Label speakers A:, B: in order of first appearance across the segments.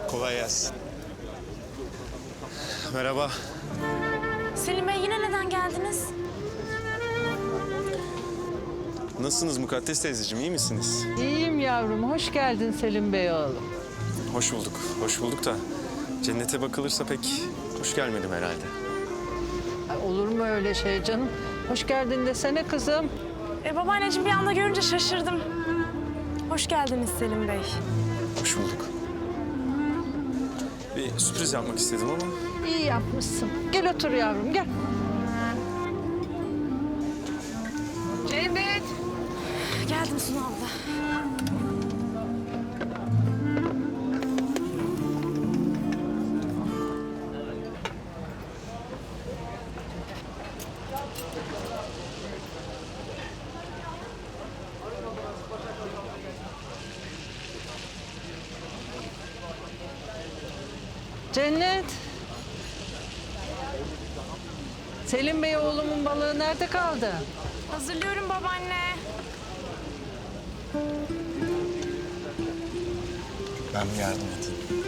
A: Kolay gelsin. Merhaba.
B: Selim Bey yine neden geldiniz?
A: Nasılsınız Mukaddes teyzeciğim, iyi misiniz?
C: İyiyim yavrum. Hoş geldin Selim Bey oğlum.
A: Hoş bulduk, hoş bulduk da cennete bakılırsa pek hoş gelmedim herhalde.
C: Ay, olur mu öyle şey canım? Hoş geldin desene kızım.
B: Babaanneciğim bir anda görünce şaşırdım. Hoş geldiniz Selim Bey.
A: Hoş bulduk. Bir sürpriz yapmak istedim ama
C: İyi yapmışsın. Gel otur yavrum gel. Cennet.
B: Geldim Sunu abla.
C: Cennet. Selim Bey oğlumun balığı nerede kaldı?
B: Hazırlıyorum babaanne.
A: ben bir yardım edeyim.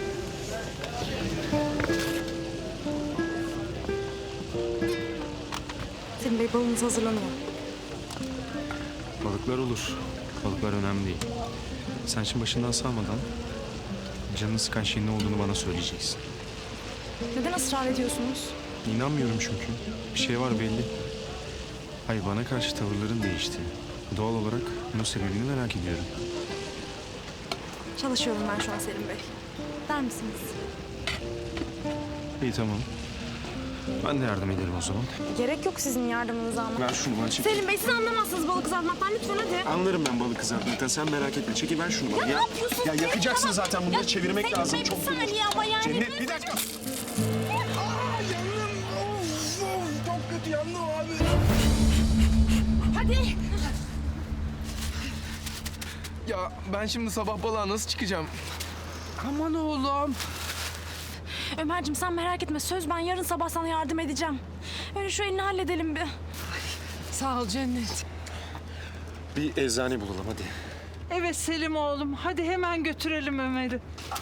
B: Selim Bey balınız hazırlanıyor.
D: Balıklar olur. Balıklar önemli değil. Sen şimdi başından salmadan canını sıkan şeyin ne olduğunu bana söyleyeceksin.
B: Neden ısrar ediyorsunuz?
D: İnanmıyorum çünkü. Bir şey var belli. Hayır, bana karşı tavırların değişti. Doğal olarak bunun sebebini merak ediyorum.
B: Çalışıyorum ben şu an Selim Bey. Der misiniz?
D: İyi, tamam. Ben de yardım ederim o zaman.
B: Gerek yok sizin yardımınıza ama.
D: Ver şunu bana, çek.
B: Selim Bey siz anlamazsınız balık kızartmaktan lütfen hadi.
D: Anlarım ben balık kızartmaktan, sen merak etme. Çekil, ver şunu bana.
B: Ya ne yapıyorsun
D: Ya
B: Selim?
D: yakacaksın
B: Tamam.
D: zaten, bunları
B: Ya
D: çevirmek
B: Selim
D: lazım.
B: Bey,
D: Çok
B: bir saniye ama yani.
D: Cennet, bir dakika.
E: Çok kötü yandım abi.
B: Hadi.
E: Ya ben şimdi sabah balığa nasıl çıkacağım?
C: Aman oğlum.
B: Ömerciğim sen merak etme. Söz ben yarın sabah sana yardım edeceğim. Öyle şu elini halledelim bir.
C: Sağ ol Cennet.
D: Bir eczane bulalım hadi.
C: Evet Selim oğlum. Hadi hemen götürelim Ömer'i.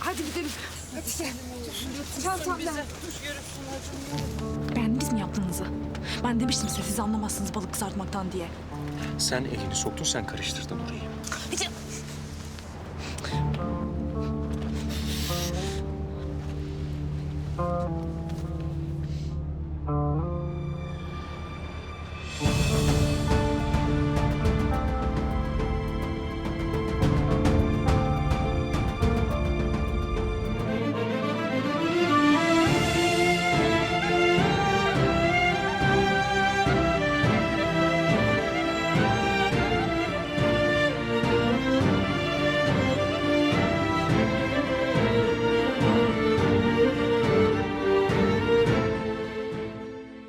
B: Beğendiniz mi yaptığınızı? Ben demiştim size siz anlamazsınız balık kızartmaktan diye.
D: Sen elini soktun, sen karıştırdın orayı.
B: Hiç